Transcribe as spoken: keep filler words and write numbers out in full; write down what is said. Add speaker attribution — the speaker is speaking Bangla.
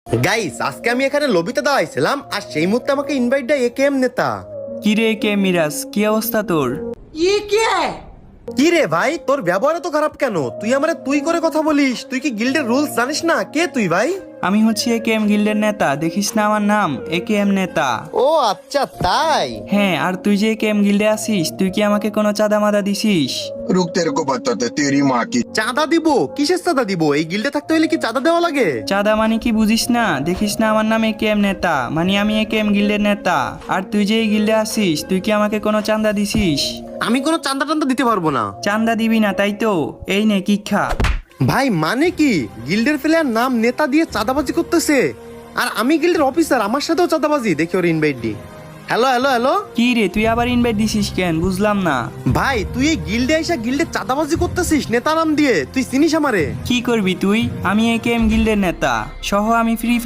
Speaker 1: গাইস আজকে আমি এখানে লবিতে দাঁড়াইছিলাম আর সেই মুহূর্তে আমাকে ইনভাইট দেয় একেএম নেতা।
Speaker 2: কি রে কে মিরাজ, কি অবস্থা তোর?
Speaker 1: কি রে ভাই, তোর ব্যবহার তো খারাপ কেন? তুই আমারে তুই করে কথা বলিস, তুই কি গিল্ডের রুলস জানিস না? কে তুই ভাই?
Speaker 2: আমি হচ্ছি একেএম গিল্ডের নেতা, দেখিস না আমার নাম একেএম নেতা।
Speaker 1: ও আচ্ছা তাই।
Speaker 2: হ্যাঁ, আর তুই যে একেএম গিল্ডে আসিস, তুই কি আমাকে কোনো চাঁদা মাদা দিছিস?
Speaker 3: रुक तेरे को बताते तेरी माँ की।
Speaker 1: চাঁদা দিব? কিসের চাঁদা দিব? এই গিল্ডে থাকতে হলে কি চাঁদা দেওয়া লাগে?
Speaker 2: চাঁদা মানে কি বুঝিস না? দেখিস না আমার নাম একেএম নেতা, মানে আমি একেএম গিল্ডের নেতা। আর তুই যে এই গিল্ডে আসিস, তুই কি আমাকে কোনো চাঁদা দিছিস?
Speaker 1: আমি কোনো চাঁদা টান্দা দিতে পারবো না।
Speaker 2: চাঁদা দিবি না তাই তো? এই নে কিক্ষা।
Speaker 1: ভাই মানে কি? গিল্ডের প্লেয়ার নাম নেতা দিয়ে চাঁদাবাজি করতেছে, আর আমি গিল্ডের অফিসার, আমার সাথেও চাঁদাবাজি? দেখি ওর ইনভাইট দি। Hello hello hello.
Speaker 2: কি রে, তুই আবার ইনভাইট দিছিস কেন? বুঝলাম না।
Speaker 1: ভাই তুই এই গিল্ডে আইসা গিল্ডে চাঁদাবাজি করতেছিস নেতা নাম দিয়ে, তুই চিনিস আমারে?
Speaker 2: কি করবি তুই? আমি একেএম গিল্ডের নেতা, সহ আমি ফ্রি